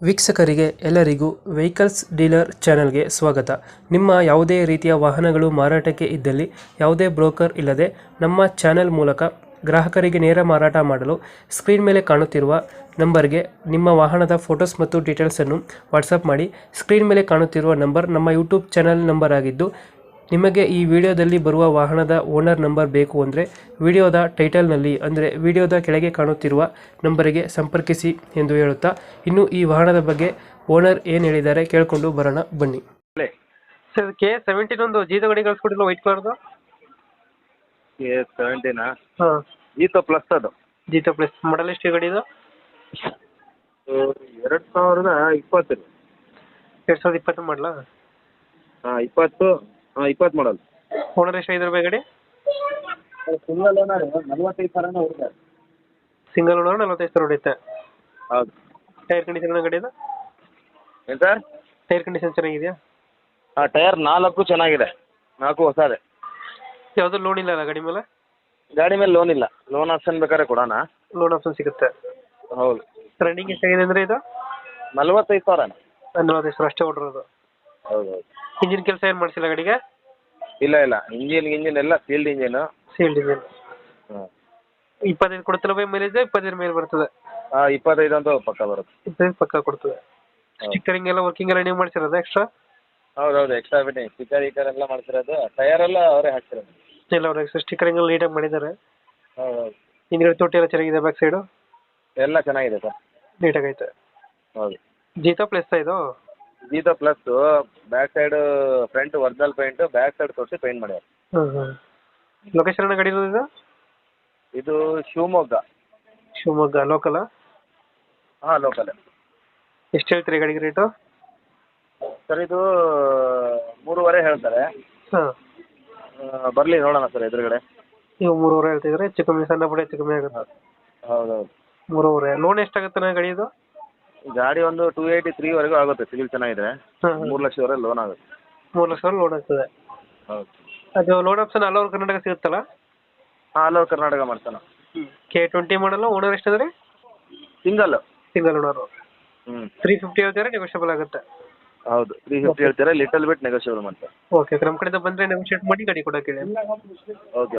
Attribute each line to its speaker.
Speaker 1: ವೀಕ್ಷಕರಿಗೆ ಎಲ್ಲರಿಗೂ vehicles dealer ಚಾನೆಲ್ಗೆ ಸ್ವಾಗತ. ನಿಮ್ಮ ಯಾವುದೇ ರೀತಿಯ ವಾಹನಗಳು ಮಾರಾಟಕ್ಕೆ ಇದ್ದಲ್ಲಿ ಯಾವುದೇ ಬ್ರೋಕರ್ ಇಲ್ಲದೆ ನಮ್ಮ ಚಾನೆಲ್ ಮೂಲಕ ಗ್ರಾಹಕರಿಗೆ ನೇರ ಮಾರಾಟ ಮಾಡಲು ಸ್ಕ್ರೀನ್ ಮೇಲೆ ಕಾಣುತ್ತಿರುವ ನಂಬರ್ಗೆ ನಿಮ್ಮ ವಾಹನದ ಫೋಟೋಸ್ ಮತ್ತು ಡೀಟೇಲ್ಸನ್ನು ವಾಟ್ಸಪ್ ಮಾಡಿ. ಸ್ಕ್ರೀನ್ ಮೇಲೆ ಕಾಣುತ್ತಿರುವ ನಂಬರ್ ನಮ್ಮ ಯೂಟ್ಯೂಬ್ ಚಾನೆಲ್ ನಂಬರ್ ಆಗಿದ್ದು, ನಿಮಗೆ ಈ ವಿಡಿಯೋದಲ್ಲಿ ಬರುವ ವಾಹನದ ಓನರ್ ನಂಬರ್ ಬೇಕು ಅಂದರೆ ವಿಡಿಯೋದ ಟೈಟಲ್ನಲ್ಲಿ ಅಂದರೆ ವಿಡಿಯೋದ ಕೆಳಗೆ ಕಾಣುತ್ತಿರುವ ನಂಬರಿಗೆ ಸಂಪರ್ಕಿಸಿ ಎಂದು ಹೇಳುತ್ತಾ, ಇನ್ನು ಈ ವಾಹನದ ಬಗ್ಗೆ ಓನರ್ ಏನು ಹೇಳಿದ್ದಾರೆ ಕೇಳಿಕೊಂಡು ಬರೋಣ ಬನ್ನಿ. ಸರ್ K17 ಒಂದು ಜೀತ ಗಾಡಿ ಕಳಿಸ್ಕೊಟ್ಟಿಲ್ಲ, ವೈಟ್ ಕಲರ್ದು.
Speaker 2: K17
Speaker 1: ಹಾಂ,
Speaker 2: ಜೀತೋ ಪ್ಲಸ್ ಅದು.
Speaker 1: ಜೀತ ಪ್ಲಸ್. ಮಾಡಲ್ ಎಷ್ಟು ಗಾಡಿ ಇದು?
Speaker 2: 2020.
Speaker 1: 2020 ಮಾಡಲ.
Speaker 2: ಹಾಂ 20 ಮಾಡಲ್.
Speaker 1: ಓನರ್ ಎಷ್ಟು ಐದು ರೂಪಾಯಿ ಗಾಡಿ?
Speaker 2: ಸಿಂಗಲ್ ಓನರ್ 45,000 ಹೊಡಿದೆ.
Speaker 1: ಸಿಂಗಲ್ ಓನರ್ 45,000 ಹೊಡೆಯುತ್ತೆ.
Speaker 2: ಹೌದು.
Speaker 1: ಟೈರ್ ಕಂಡೀಷನ್ ಗಾಡಿದು?
Speaker 2: ಏನು ಸರ್?
Speaker 1: ಟೈರ್ ಕಂಡೀಷನ್ ಚೆನ್ನಾಗಿದೆಯಾ?
Speaker 2: ಹಾಂ ಟೈರ್ 4 ಚೆನ್ನಾಗಿದೆ, 4 ಹೊಸದೆ.
Speaker 1: ಯಾವುದೂ ಲೋನ್ ಇಲ್ಲ ಅಲ್ಲ ಗಾಡಿ ಮೇಲೆ?
Speaker 2: ಗಾಡಿ ಮೇಲೆ ಲೋನ್ ಇಲ್ಲ, ಲೋನ್ ಆಪ್ಷನ್ ಬೇಕಾದ್ರೆ ಕೊಡೋಣ.
Speaker 1: ಲೋನ್ ಆಪ್ಷನ್ ಸಿಗುತ್ತೆ.
Speaker 2: ಹೌದು.
Speaker 1: ರನ್ನಿಂಗ್ ಎಷ್ಟಾಗಿದೆ ಅಂದರೆ ಇದು?
Speaker 2: 45,000.
Speaker 1: 45,000 ಅಷ್ಟೇ ಹೊಡಿರೋದು.
Speaker 2: ಹೌದು ಹೌದು.
Speaker 1: ಇಂಜಿನ್ ಕೆಲಸ ಏನು ಮಾಡಿಸಿಲ್ಲ ಗಾಡಿಗೆ?
Speaker 2: ಇಲ್ಲ ಇಂಜಿನ್ ಎಲ್ಲ ಫೀಲ್ಡ್ ಇಂಜಿನ್.
Speaker 1: Sealed engine.
Speaker 2: ಹಾಂ
Speaker 1: 25 ಕೊಡ್ತಿಲ್ಲ ಬೈ ಮೈಲೇಜ್? 25 ಮೇಲೆ ಬರ್ತದೆ.
Speaker 2: ಹಾಂ 25 ಅಂತೂ ಪಕ್ಕ ಬರುತ್ತೆ.
Speaker 1: 25 ಪಕ್ಕ ಕೊಡ್ತದೆ. ಸ್ಟಿಕ್ಕರಿಂಗ್ ಎಲ್ಲ ವರ್ಕಿಂಗ್ ಎಲ್ಲ ನೀವು ಮಾಡಿಸಿರೋದು ಎಕ್ಸ್ಟ್ರಾ?
Speaker 2: ಹೌದು ಎಕ್ಸ್ಟ್ರಾ ಫಿಟ್ಟಿಂಗ್ ಸ್ಟಿಕ್ಕರ್ ಎಲ್ಲ ಮಾಡ್ತಿರೋದು, ಟೈರ್ ಎಲ್ಲ ಅವರೇ ಹಾಕ್ತಿರೋದು.
Speaker 1: ಎಲ್ಲ ಅವ್ರು ಎಕ್ಸ್ಟ್ರಾ ಸ್ಟಿಕ್ಕರಿಂಗ್ ಎಲ್ಲ ನೀಟಾಗಿ ಮಾಡಿದ್ದಾರೆ.
Speaker 2: ಹೌದು.
Speaker 1: ಹಿಂದ್ಗಡೆ ತೊಟ್ಟಿ ಎಲ್ಲ ಚೆನ್ನಾಗಿದೆ, ಬ್ಯಾಕ್ ಸೈಡು
Speaker 2: ಎಲ್ಲ ಚೆನ್ನಾಗಿದೆ ಸರ್.
Speaker 1: ನೀಟಾಗೈತೆ.
Speaker 2: ಹೌದು.
Speaker 1: ಜೀತಾ ಪ್ಲಸ್ ಇದು?
Speaker 2: Jeeto plus back side front original paint, back side ತೋರಿಸಿ ಪೇಂಟ್ ಮಾಡ್ಯಾರ.
Speaker 1: ಲೊಕೇಶನ್ ಗಾಡಿ ಇರೋದು ಇದು?
Speaker 2: ಇದು
Speaker 1: ಶಿವಮೊಗ್ಗ ಲೋಕಲ್?
Speaker 2: ಹಾಂ ಲೋಕಲ್.
Speaker 1: ಎಷ್ಟು ಹೇಳ್ತೀರಿ ಗಾಡಿಗೆ ರೇಟು?
Speaker 2: ಸರ್ ಇದು 3.5 ಹೇಳ್ತಾರೆ.
Speaker 1: ಹಾಂ,
Speaker 2: ಬರಲಿ ನೋಡೋಣ ಸರ್ ಎದುರುಗಡೆ.
Speaker 1: ನೀವು 3.5 ಹೇಳ್ತಿದ್ರೆ ಹೆಚ್ಚು ಕಮ್ಮಿ, ಸಣ್ಣ ಪುಟ್ಟ ಹೆಚ್ಚು ಕಮ್ಮಿ ಆಗುತ್ತೆ.
Speaker 2: ಹೌದೌದು.
Speaker 1: 3.5. ಲೋನ್ ಎಷ್ಟಾಗುತ್ತೆ ಗಾಡಿ ಇದು?
Speaker 2: ಗಾಡಿ ಒಂದು 283 ಆಗುತ್ತೆ, ಸಿವಿಲ್ ಚೆನ್ನಾಗಿದೆ.
Speaker 1: ಹಾಂ,
Speaker 2: 3 ಲಕ್ಷವರೆಗೆ ಲೋನ್ ಆಗುತ್ತೆ.
Speaker 1: 3 ಲಕ್ಷ ಲೋನ್ ಆಗ್ತದೆ.
Speaker 2: ಹೌದು.
Speaker 1: ಅದು loan option all over Karnataka ಸಿಗುತ್ತಲ್ಲ?
Speaker 2: ಹಾಂ ಆಲ್ ಓವರ್ ಕರ್ನಾಟಕ ಮಾಡ್ತಾನೆ.
Speaker 1: K20 ಮಾಡಲ್ಲ. ಓನರ್ ಎಷ್ಟಾದ್ರೆ?
Speaker 2: Single
Speaker 1: owner. 350 ಹೇಳ್ತಾರೆ, ನೆಗೋಷಿಯಬಲ್ ಆಗುತ್ತೆ.
Speaker 2: ಹೌದು 350 ಹೇಳ್ತಾರೆ, ಲಿಟಲ್ ಬಿಟ್ ನೆಗೋಷಿಯಬಲ್ ಮಾಡ್ತಾರೆ.
Speaker 1: ಓಕೆ, ನಮ್ಮ ಕಡೆಯಿಂದ ಬಂದರೆ ನೆಗೋಷಿಯೇಟ್ ಮಾಡಿ ಗಾಡಿ ಕೊಡೋಕೆ ಹೇಳಿ.
Speaker 2: ಓಕೆ.